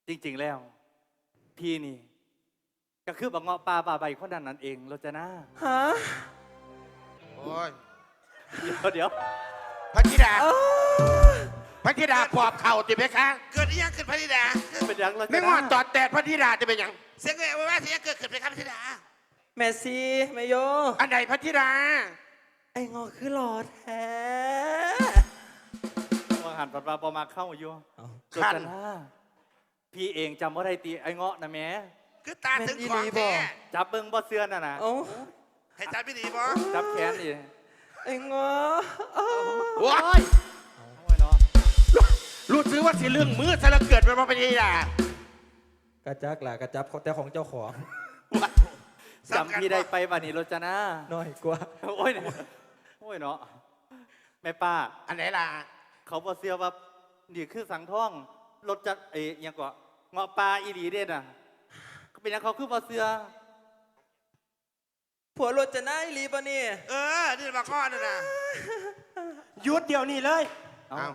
จริงๆแล้วพี่นี่ก็คือบักเงาะปลาบาใบคนนั้นนั่นเองโรจนาฮะโอ้ยเดี๋ยวพระธิดาพระธิดาปอบเข่าติเพคะเกิดอีหยังขึ้นพระธิดาเป็นยังโรจไม่นางอดตอดแตดพระธิดาจะเป็นหยังเสียงเอ่ยว่าเสียงเกิดขึ้นไปครับพระธิดาแม่ซีแม่โยอันไหนพระธิดาไอ้งอคือหลอดแท้ว่าหันปัดปลาปอมาเข้าอยู่เอาโรจนาพี่เองจำว่าได้ตีไอ้เงาะนะแม่คือตาถึงของแท้จับเบิ้งบ่เสื้อน่ะนะเอาให้จับไม่ดีบ่จับแขนดิไอ้งอโอ้ยโอ้ยเนาะรู้ซื้อว่าสิเรื่องมือซะแล้วเกิดเป็นพระธิดากระจักล่ะกระจับแต่ของเจ้าของจำพี่ได้ไปบ้านี้โรจนาน้อยกว่าโอ้ยโอ้ยเนาะแม่ป้าอันไหนล่ะเขาบ่เสื้อว่านี่คือสังท่องรถจัดยังก็เงาะปลาอีหลีเด่นอ่ะก็เป็นยังเขาคือบ่เสื้อผัวรถจะน่าอีหลีปะนี่นี่มาข้อนั่นน่ะหยุดเดี๋ยวนี้เลยเอาเอา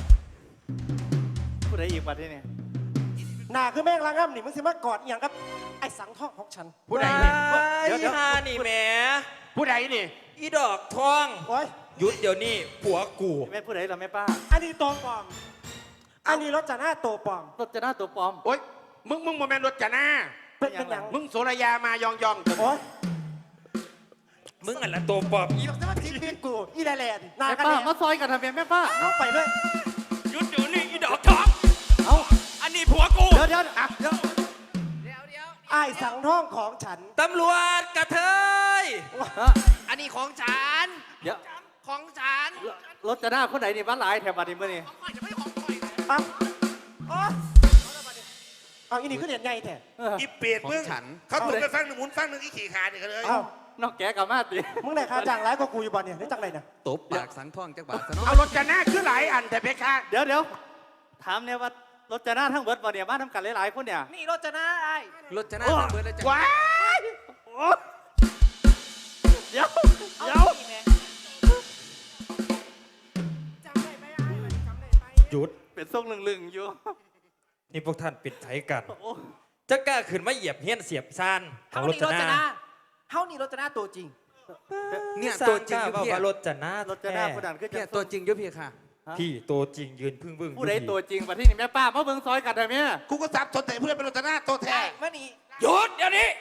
ผู้ใดอีกบัดที่นี่หน้าคือแม่งละง่ำนี่มึงสิมากอดอหย่างกับไอ้สังทองของฉันผู้ใดนี่อีฮานี่แหมผู้ใดนี่อีดอกทองโอ้ยหยุดเดี๋ยวนี้ผัวกูแม่ผู้ใดล่ะแม่ป้าอันนี้ตัวปลอม อันนี้รถจะหน้าตัวปลอมรถจะหน้าตัวปลอมโอ้ยมึงโมเมนต์รถจานาเป็นอย่างมึงโสระยามายองโอ้ยมึงอันละตัวปอบอีบอกจะมาทิ้งเพียงกูอีแลแลนหน้าแม่กันป้าเนี่ยมาซอยกันทำไมแม่ป้าเอาไปเลยหยุดเดี๋ยวนี้อีดอกทองเอาอันนี้ผัวกูเดี๋ยวไอ้สังทองของฉันตำรวจกระเทยอันนี้ของฉันเดี๋ยวของฉันรถจะหน้าคนไหนนี่บ้านหลายแถวบัดนี้มื่อนี่ของข่อยจะไม่ของข่อยปั๊บโอ้ยเอาอีนี่ก็เด็ดไงแท้อีเปียดมึงเขาถูกไปฟังหนึ่งหมุนฟังหนึ่งอีขี่ขาเนี่ยกันเลยเอ้านอกแกกับมาติมึงไหนค่าจ้างร้ายกว่ากูอยู่บ่เนี่ยได้จังไรเนี่ยตบปากสังท่องจักบาทซะเนาะเอารถจานาคือหลายอันแต่เพคะเดี๋ยวถามเนี่ยว่ารถจะหน้าทั้งเบิดบ่เนี่ยมาทำกันหลายๆคนเนี่ยนี่รถจะหน้าไอ้รถจะน่าเบิดแล้วจ้ะว้ายเดี๋ยวหยุดเป็นทรงลึงๆอยู่นี่พวกท่านปิดไถกันโอ้จะกล้าขึ้นมาเหยียบเฮี้ยนเสียบซานของรถจะน่าเฮานี่รถจะหน้าตัวจริงเนี่ยสร้าตัวจริงกอล้ายู่ว่าเพียว่ารถจะน่ารถจะหน้าคนนั้นคือเพียจะตัวจริงอยู่เพียค่ะพี่ตัวจริงยืนพึ่งพึ่งผู้ใดตัวจริงบัดที่นี่แม่ป้ามาเบิ่งซอยกันได้ไหมกูก็ซับสนแต่เพื่อนเป็นรถหน้าตัวแท้มานี่หยุดเดี๋ยวนี้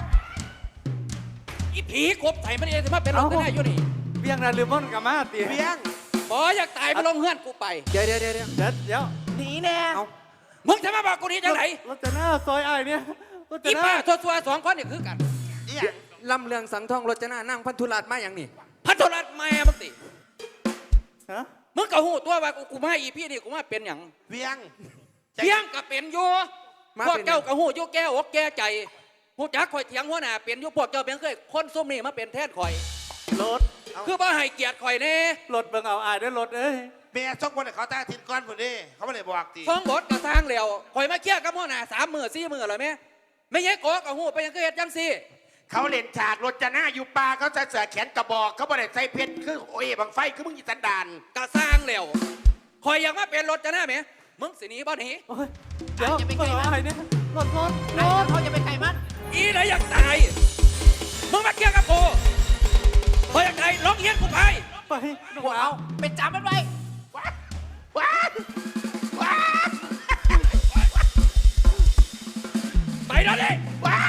อีผีกบไถมันเองจะมาเป็นรถจะน่าอยู่นี่เบี้ยงนาลืมม่อนกับมาติเพียงบออยากตายไปลงเฮือนกูไปเดี๋ยวเดี๋ยวหนีแน่มึงจะมาบอกกูนี่จังไหนรถจะหน้าซอยไอ้ายเนี่ยรถจะอีหน้าป้าทัวๆสองคนนี่คือกันอีหยังลำเลืองสังท่องรถจะน่านั่งพันธุรัตมาอย่างนี้พัทรรัตน์แม่มึงติฮะมึงก็หูตัวว่ากูมาอีพี่นี่กูมาเป็นอย่างเพียงเถียงก็เป็นอยู่มาพวกเป็นเจ้าก็หูอยู่แก้อกแก้ใจหูจักข่อยเถียงหัวหน้าเป็นอยู่พวกเจ้าเป็นเคยคนซุ่มนี่มาเป็นแทนข่อยรถคือบ่ให้เกียรติข่อยแน่รถเบิ่งเอาอายด้วยรถเอ้ยเมียส่งคนเขาตาทินก้อนคนนี้เขาไม่ได้บอกตีฟ้องบทก็สร้างแล้วข่อยมาเคลียร์กับหัวหน้า3 มื้อ4 มื้อแล้วแม่ไม่ใช่โกก็หูไปยังคือเฮ็ดจังซี่เขาเล่นฉากรถจานาอยู่ป่าเขาใส่เสื้อแขนกระบอกเขาบ่ได้ใส่เพชรคือโอ้ยบังไฟคือมึงอีสันดานก็สร้างแล้วข่อยอยากมาเป็นรถจะหน้าแม่มึงสิหนีบ่หนีโอ้ยเดี๋ยวเบิ่งเอาอายเนี่ยรถเขาจะไปไกลมันอีไหนอยากตายมึงมาเคลียร์กับกูข่อยอยากตายร้องเฮียนกูไปไปน้องพวกหลาเอาไปจับมันไว้ว้ายว้ายไปแล้วดิว้าย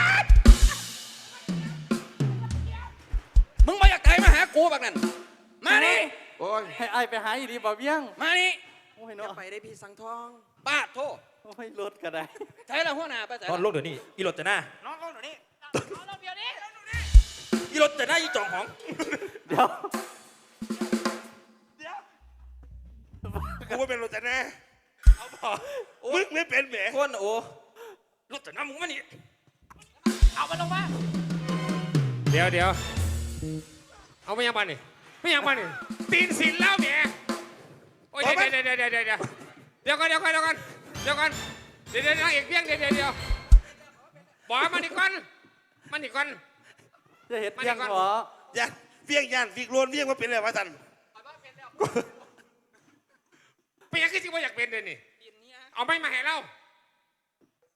มึงมาอยากตายมาหากูแบบนั้นมานี่โอ้ยให้อายไปหาอีดีบ่เบี้ยงมานี่โอ้ยจะเนาะไปได้พี่สังท่องป้าดโทษโอ้ยรถก็ได้ใช้ละหัวหน้าไปใส่นอนลงเดี๋ยวนี้อีรถจะหน้าน้องเขาหนูนี่อีรถจะหน้าอีจองของเดี๋ยวกูไม่เป็นรถหน้าเอาพอมึงไม่เป็นแหมคนโอ้รถจะหน้ามึงมานี่เอามันลงมาเดี๋ยวเอาไม่ยังมานี่ไม่ยังมานี่ตีนสินแล้วแหมโอ้ยเดี๋ยวก่อนนางเอกเพียงเดี๋ยวบอกมานี่ก่อนจะเห็ดเบี้ยงเหรอยันเพียงยันฟิกโลนเพียงว่าเป็นอะไรวะท่านเป็นยังคือสิว่าอยากเป็นเดี๋ยวนี้เอาไม่มาให้เรา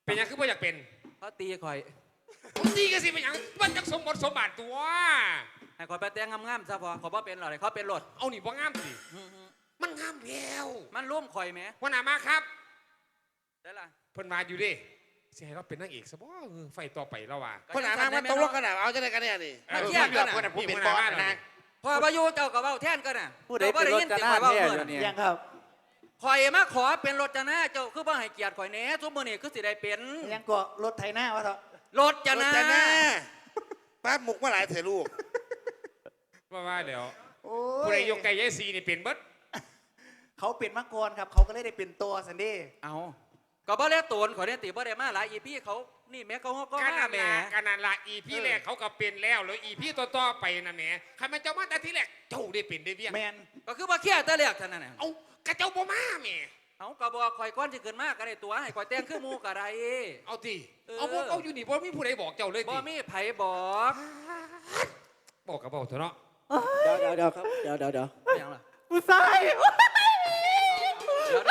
เป็นหยังคือบ่อยากเป็นเขาตีข่อยผมดีกันสิเป็นหยังมันจักสมบทสมบัติตัวให้ข่อยไปแต่งงามๆซะพอขอยบ่เป็นหรอกเขาเป็นรถเอานี่บ่งามสิมันงามแล้วมันร่วมข่อยแหมหัวหน้ามาครับได้ล่ะเพิ่นมาอยู่ดิสิให้เราเป็นนางเอกซะบ่ไฟต่อไปแล้วว่ะคนหนามาตกลงกันเอาจะได้กันเนี่ยนี่มาเที่ยงกันคนน่ะน่ะผู้เป็นบอสนะพอประยุเจ้าก็เว้าแทนกันน่ะผู้ใดเป็นรถจะหน้าเว้าแท้เมื่ออยู่น่ะเนี่ยยังครับข่อยมาขอเป็นรถจะหน้าเจ้าคือบ่ให้เกียรติข่อยแหน่ซุมื้อนี้คือสิได้เป็นยังก็รถไถหน้าวะเถอะรถจะหน้าแต่แน่ป้าหมุกมาหลายเถอะลูกว่าเดี๋ยวโอ้ผู้ใดยกไก่ยายซีนี่เป็นเบิดเขาเป็นมังกรครับ เขาก็เลยได้เป็นตัวสันเดีเอาก็บ่ได้โตนข่อยได้ติบ่ได้มาหลายอีพี่เขานี่แม่เขาก็การมานั่นแหม่ละการนั่นละอีพี่แรกเขาก็เป็นแล้วแล้วอีพี่ต่อๆไปนะแหมใครมาเจ้ามาแต่ที่แรกเจ้าได้เป็นได้เบี้ยแมนก็คือบ่เครียดแต่แรกเท่านั้นน่ะเอากระเจ้าบ่มาแหมเอาก็บอกข่อยก่อนสิขึ้นมาก็ได้ตัวให้ข่อยแต่งคือหมู่ก็ได้เอาติเออเอาพวกเอาอยู่นี่บ่มีผู้ใดบอกเจ้าเลยบ่ติมีไผบอกบอกกับบอกเถอะเนาะเดี๋ยวครับเดี๋ยวไม่หยังล่ะผู้ชายเดี๋ยว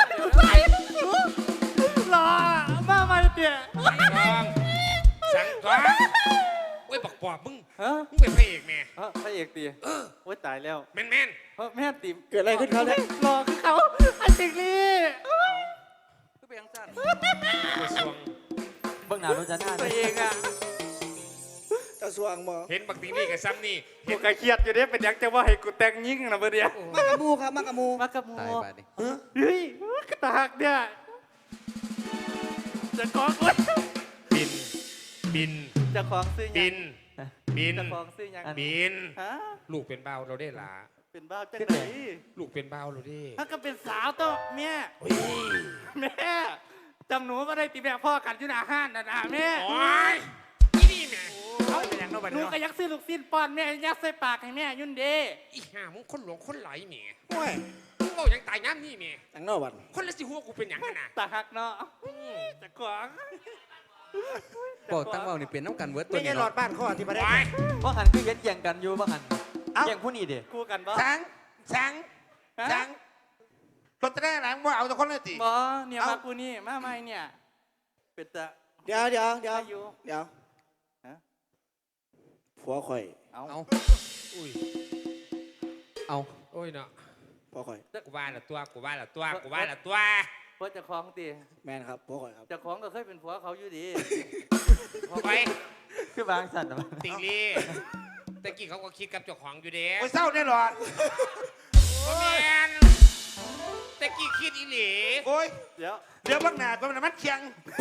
หล่อมาใหม่เตี่ยสั่งทองโอ้ยบอกปอบมึงฮะมึงเป็นพระเอกแม่พระเอกตีโอ้ยตายแล้วแม่นแม่ตีเกิดอะไรขึ้นครับเนี่ยหล่อคือเขาไอ้สิ่งนี้คือเป็นจังซั่นๆกระทรวงเบิ่งหน้าโดนจะหน้าตัวเองอ่ะกระทรวงหมอเห็นบักติงนี่กับซ้ำนี่กูกะเครียดอยู่เด้เป็นหยังจะว่าให้กูแต่งยิ่งนะเบอร์เดียวมากระมูครับมากระมูมากระมูตายบาดนี้เฮ้ยกระตากเนี่ยจะคล้องโอ๊ยบินจะคล้องซื้อยังบินจะคล้องซื้อยังบินฮะลูกเป็นเบาวเราได้หลาเป็นบ้าจังไหนลูกเป็นเบาวเราได้ถ้าก็เป็นสาวต้องแม่แม่จำหนูก็ได้ตีแม่พ่อกันอยู่หน้าห้านนะแม่โอ้ยนี่นี่แม่เขาเป็นยังหนูก็ยักซื้อลูกสิ้นป้อนแม่ยักใส่ปากให้แม่ยุ่นเด้อีห่ามึงคนหลวงคนไหลแม่โอ้ยมึงบอกยังตายน้ำนี่แม่จังนอกวันคนละสิหัวกูเป็นหยังขนาดตาหักเนาะจะขวางบอกตั้งเว้านี่เป็นน้ำกันเวิร์ดตัวไม่ใช่นี้หลอเนาะดบ้านข้อที่ประเด็นโอ้ยว่าหันคือเย็นเยียงกันอยู่ว่าหันเยียงผู้นี้เด้คู่กันบ่สังรถจะได้หลังว่าเอาแต่คนเลยติบ่เนี่ยมากูนี่มาใหม่เนี่ยเป็นตะเดี๋ยวอายุ ฮะผัวข่อยเอาเอาอุ้ยเอาโอ้ยเนาะผัวข่อยกูว่าละตัวกูว่าละตัวกูว่าละตัวเพราะจะคล้องตีแมนครับผัวข่อยครับจะคล้องก็เคยเป็นผัวเขาอยู่ดีไปคือบางสันนะติงลี่แต่กี้เขาก็คิดกับเจ้าของอยู่เด้โอ้ยเศร้าแน่หรอดโอ้แมนแต่กี้คิดอีหลีโอ้ยเดี๋ยวเดี๋ยวบักหนาดมันเคียง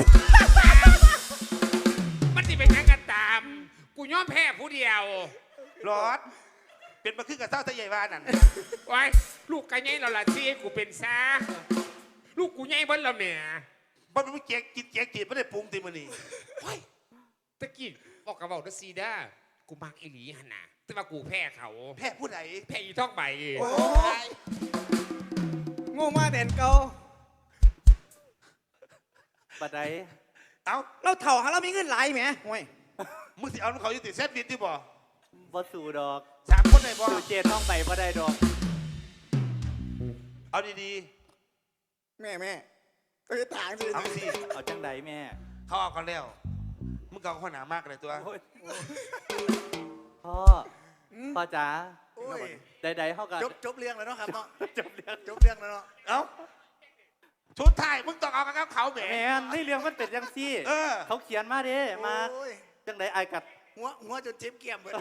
มันสิเป็นหยังกันตาม กูยอมแพ้ผู้เดียวหลอด เป็นมาขึ้นกับเศร้าทะใหญ่บ้านนั่นไว้ลูกไก่ใหญ่เราละที่ให้กูเป็นซาลูกกูใหญ่เบิ้ลละแม่บ้านมันเจ๊กกินเจ๊กจีบไม่ได้ปรุงตีมันนี่เฮ้ยตะกี้บอกกับบอกนะซีด้ากูมักอีหลีหันนะแต่ว่ากูแพ้เขาแพ้ผู้ใดแพ้อีท่องใบโอ้ยงูมาเด่นเกาบัดใดเอาเราเถ่าหาเรามีเงินหลายไหมห่วยมึงสิเอาน้ำเขาอยู่ติดเซฟบินที่บ่บ่สู่ดอก 3 คนได้บ่สู่เจนท้องไปบ่ได้ดอกเอาดีแม่เอ้ยต่างสิๆเอาสิเอาจังใดแม่เขาเอากันแล้วมึงก็เอาข้อหนามากเลยตัวโอ้ยพ่อพ่อจ๋าโอ้ยใดๆเขาก็จบเรื่องแล้วเนาะครับเนาะจบเรื่องจบเรื่องแล้วเนาะเอาชุดไทยมึงต้องเอากับเขาแหมแมนนี่เรื่องมันเป็นยังซี่เออเขาเขียนมาเด้มาโอ้ยจังใดไอายกัดหัวจนเจ็บเกี่ยมเบิด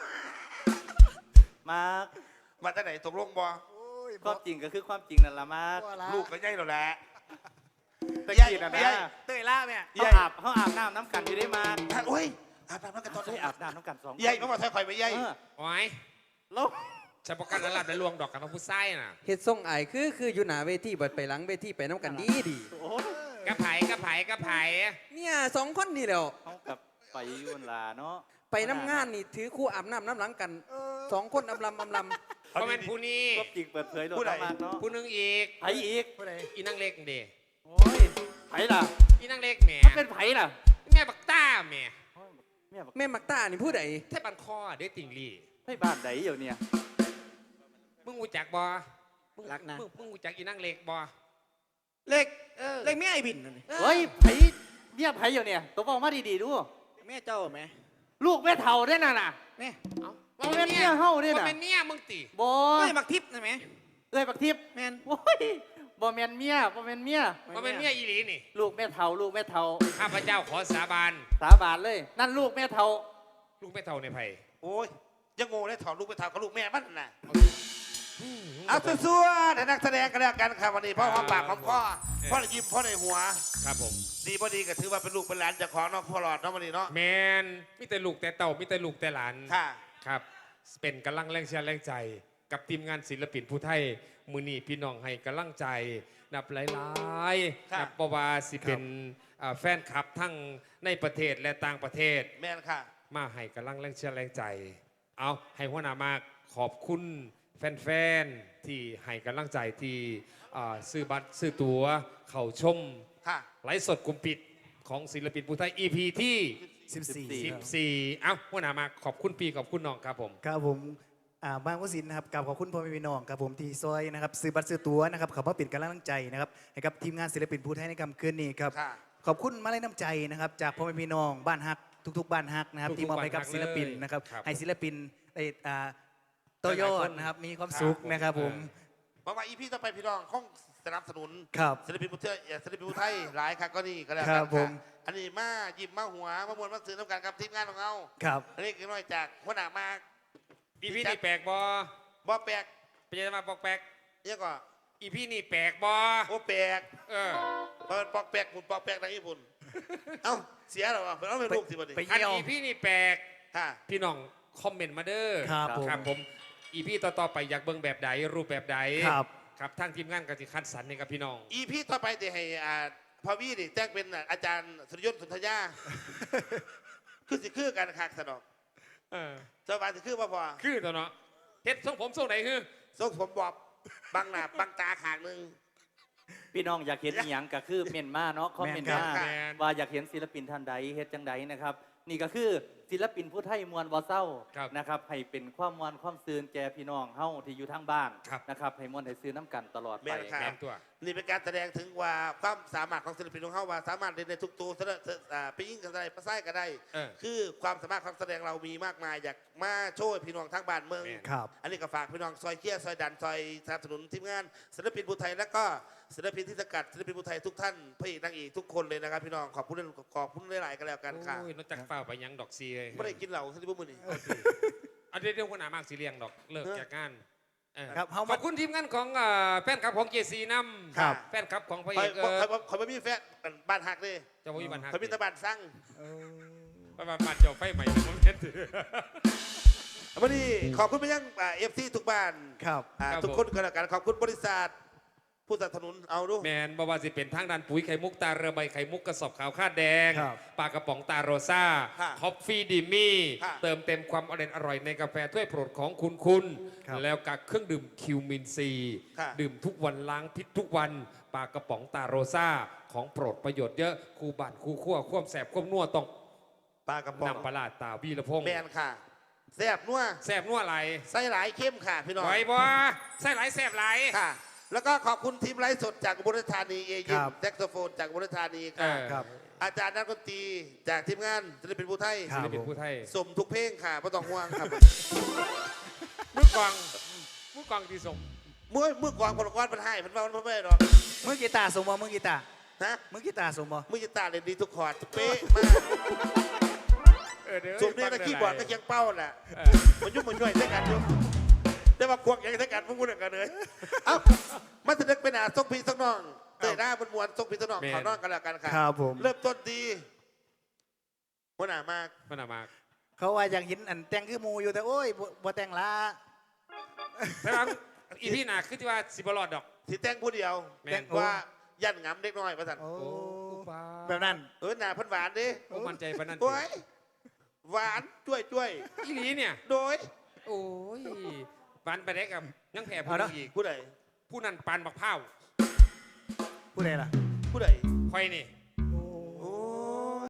มามาจากไหนตกลงบ่โอ้ยความจริงก็คือความจริงนั่นละมาลูกก็ใหญ่แล้วแหละตะกี้น่ะใหญ่นะเต้ยล่าแม่เขาอาบน้ำน้ำกันอยู่ได้มาโอ้ยอาบน้ำแล้วกันตอนได้อาบน้ำน้ำกัน2 ใหญ่มาบอกใส่ข่อยไปใหญ่เออโอ้ยแล้วฉันประกันระลับในลวงดอกกับพระผู้ไส้น่ะเฮ็ดทรงอายคืออยู่หน้าเวทีเบิดไปหลังเวทีไปน้ำกันดีโอ้กระไผ่กระไผ่กระไผ่เนี่ยสองคนนี่แหล้วเขากับไปอยุ่นลาเนาะไปน้ำงานนี่ถือคู่อาบน้ำน้ำหลังกันสองคนอำลำเพราะมันผู้นี้ก็จริงเปิดเผยโลดมากเนาะผู้หนึงอีกไผอีกอีนั่งเล็กเด้โอ้ยไผล่ะอีนั่งเล็กแหม่มันเป็นไผล่ะแม่บักต้าแหม่แม่บอกแม่มักตานี่ผู้ใดแทบบันคอเด้ติงลี่ให้บ้านไหนอยู่เนี่ยมึงรู้จักบ่รักนะมึงรู้จักอีนั่งเล็กบ่เล็กเล็กไม่ไอ้บินนั่นนี่เฮ้ยไผเมียไผอยู่เนี่ยตัวบอกมาดีๆดูแม่เจ้าไหมลูกแม่เฒ่าได้น่ะน่ะนี่บ่แม่นเมียเฮาเด้ว่าน่ะเป็นเนี่ยมึงตีบ่ไม่บักทิพย์นะแม่เอ้ยบักทิพย์แม่นโอ้ยบ่แม่นเมียบ่แม่นเมียว่าเป็นเนี่ยอีหลีนี่ลูกแม่เฒ่าลูกแม่เฒ่าข้าพเจ้าขอสาบานสาบานเลย นั่นลูกแม่เฒ่าลูกไม่เท่าในไผ่โอ้ยยังโง่ได้ถอดลูกไปถามกับลูกแม่มันน่ะเอาซัวๆแต่นักแสดงกันแล้วกันครับวันนี้พ่อหอมปากหอมคอพ่อได้ยิ้มพ่อในหัวครับผมดีพอดีก็ถือว่าเป็นลูกเป็นหลานเจากของเนาะพ่อหลอดเนาะวันนี้เนาะแมนมีแต่ลูกแต่เต่ามีแต่ลูกแต่หลานค่ะครับ เป็นกำลังแรงเชียร์แรงใจ กับทีมงานศิลปินผู้ไทย มือนีพี่น้องให้กำลังใจ นับหลายๆครับนับประวาสิเป็นแฟนคลับทั้งในประเทศและต่างประเทศแม่นค่ะมาให้กำลังแรงเชียร์แรงใจ เอาให้หัวหน้ามากขอบคุณแฟนๆ ที่ให้กำลังใจที่ซื้อบัตรซื้อตั๋วเข้าชมค่ะไลฟ์สดกลุ่มปิดของศิลปินผู้ไทย EP ที่ 14 เอ้าหัวหน้ามาขอบคุณปีขอบคุณน้องครับผมครับผมบางวสินนะครับกราบขอบคุณพ่อแม่พี่น้องครับผมที่ซอยนะครับซื้อบัตรซื้อตั๋วนะครับเขามาปิดกำลังใจนะครับให้กับทีมงานศิลปินผู้ไทยในค่ำคืนนี้ครับค่ะขอบคุณมาลัยน้ำใจนะครับจากพ่อแม่พี่น้องบ้านฮักทุกๆบ้านฮักนะครับทุกๆที่มอบให้กับบ้านฮักศิลปินนะครับครับให้ศิลปินได้ต่อยอดนะครับมีความสุขนะครับผมเพราะว่าอีพีต่อไปพี่น้องคงสนับสนุนครับศิลปินผู้ไทยศิลปินผู้ไทยหลายค่ะก็นี่ก็แล้วคกัรันบผมค่ะอันนี้มายิ้มมาหัวมามวนมาซื้อน้ำกันกับทีมงานของเราครับอันนี้คือน้อยจากหัวหน้ามาก EP นี่แปลกบอบ่แปลกเป็นยังไงมาบอกแปลกเนี่ยก็ EP นี่แปลกบอโอ้แปลกเออเปิดปอกแปลกหุ่นปอกแปลกในญี่ปุ่นเอ้าเสียเหรอวะเอาไปลูกสิบัดนี้ไปคันเยี่ยว EP นี่แปลกค่ะพี่น้องคอมเมนต์มาเด้อครับผมครับผม EP ต่อๆไปอยากเบิ่งแบบใดรูปแบบใดครับครับทางทีมงานก็จะคัดสรรให้กับพี่น้องอีพีต่อไปจะให้พอวี่นี่แจ้งเป็นอาจารย์สุริยนต์สุนทรยา คือสิคือกันคักสนอกเออสบายสิคือบ่พอคือตัวเนาะเฮ็ดทรงผมทรงไหนคือทรงผมบอบบังหน้าบังตาขางหนึงพี่น้องอยากเห็นอีหยังก็คือเมนมาเนาะคอมเมนต์มาแม่นครับแม่นว่าอยากเห็นศิลปินท่านใดเฮ็ดจังใดนะครับ นี่ก็คือศิลปินผู้ไทยมวลบ่เศร้าครับนะครับให้เป็นความมวลความซืนแก่พี่น้องเฮาที่อยู่ทางบ้านครับนะครับให้มวลให้ซื้อน้ำกันตลอดแม่ไปนครับแม่นตัวนี่เป็นการแสดงถึงว่าความสามารถของศิลปินของเขาว่าสามารถเล่นในทุกตัวไปยิ่งกันได้ประไส้ก็ได้เออคือความสามารถของแสดงเรามีมากมายอยากมาโชว์ให้พี่น้องทั้งบ้านเมืองแม่นครับอันนี้ก็ฝากพี่น้องซอยเคี้ยซอยดันซอยสนับสนุนทีมงานศิลปินผู้ไทยและก็ศิลปินที่สกัดศิลปินผู้ไทยทุกท่านพระเอกนางเอกทุกคนเลยนะครับพี่น้องขอบคุณหลายๆกันแล้วกันค่ะโอ้ยนอกจากเฝ้าไปยังดอกซีเลยไม่ได้กินเหล้าสิบุ้มือนี่อันนี้เรื่องหัวหน้ามากสีเลียงดอกเลิกจากงานเออครับเฮาขมาอบคุณทีมงานของแฟนคลับของเจซีน้ำครับแฟนคลับของพระคเออยกคอยไม่มีแฟนบ้านหักเลยเจ้าพ่อวิบันหักคอยมีแตะบ้านสั่งประมาณบ้านเจ้าไฟใหม่ผมเห็นถือวันนี้ขอบคุณไปยังFC ทุกบ้านครับครับทุกคนก็แล้วกันขอบคุณบริษัทผู้สนับสนุนเอาดูแมนบว่าสิเป็นทางด้านปุ๋ยไข่มุกตาเรือใบไข่มุกกระสอบขาวคาดแดงครับปลากระป๋องตาโรซ่าคอฟฟี่ดิมี่ค่ะเติมเต็มความอร่อยในกาแฟถ้วยโปรดของคุณครับแล้วกับเครื่องดื่มคิวมินซีค่ะดื่มทุกวันล้างพิษทุกวันปลากระป๋องตาโรซ่าของโปรดประโยชน์เยอะคู่บ้านคู่ขั้วควมแสบควมนัวต้องปลากระป๋องนำปลาร้าตาวีระพงษ์แมนค่ะแซ่บนัวแสบนัวไหลใส่หลายเข้มค่ะพี่น้องไหวบ่ใส่ไหลแสบไหลค่ะ แล้วก็ขอบคุณทีมไลฟ์สดจากอุบลราชธานีเอยิครัมบแซกโซโฟนจากอุบลราชธานีเอค่ะอครับอาจารย์นักดนตรีจากทีมงานศิลปินผู้ไทยครัศิบลปินผู้ไทยสมทุกเพลงค่ะไม่ต้องห่วงครับมือกองที่สมมือกวางคนละก้อนมันให้มันว่ามันไม่ได้หรอกมือกีตาร์สมบ่มือกีตาร์ฮะมือกีตาร์สมบ่มือจะตาเล่นดีทุกคอร์ดทุกเป๊ะมากเดี๋ยวส่วนนี้นะคีย์บอร์ดก็เคียงเป้าแหละเออมันยุ่งมันย่อยใช้กันยุ่งแต่ว่าควงยังใช้กันพวกคุณกันเลยเอ้ามันจะนึกเป็นส่งพี่ส่งน้องเตะหน้าบนมวนส่งพี่ส่งน้องขอน้องกันแล้วกันค่ะครับผมเริ่มต้นดีหัวหน้ามากมันน่ะมากเขาว่าอยากเห็นอันแต่งคือหมูอยู่แต่โอ้ยบ่แต่งละแต่ว่าอีพี่น่ะคือที่ว่าสิบลอดดอกที่แต่งผู้เดียวแม่นแต่งว่ายันงำเด็กน้อยประสันโอ้โอ้ป้าแบบนั้นหน้าเพันหวานดิโอ้มั่นใจปานนั้นโอ้ยหวานจ้วยจ้วยอีหลีเนี่ยโดยโอ้ยปันไปได้กับยังแผ่ผู้เอานึเนอะงอีกผู้ใดผู้นั้นปันบักเผาผู้ใดล่ะผู้ใดคอยนี่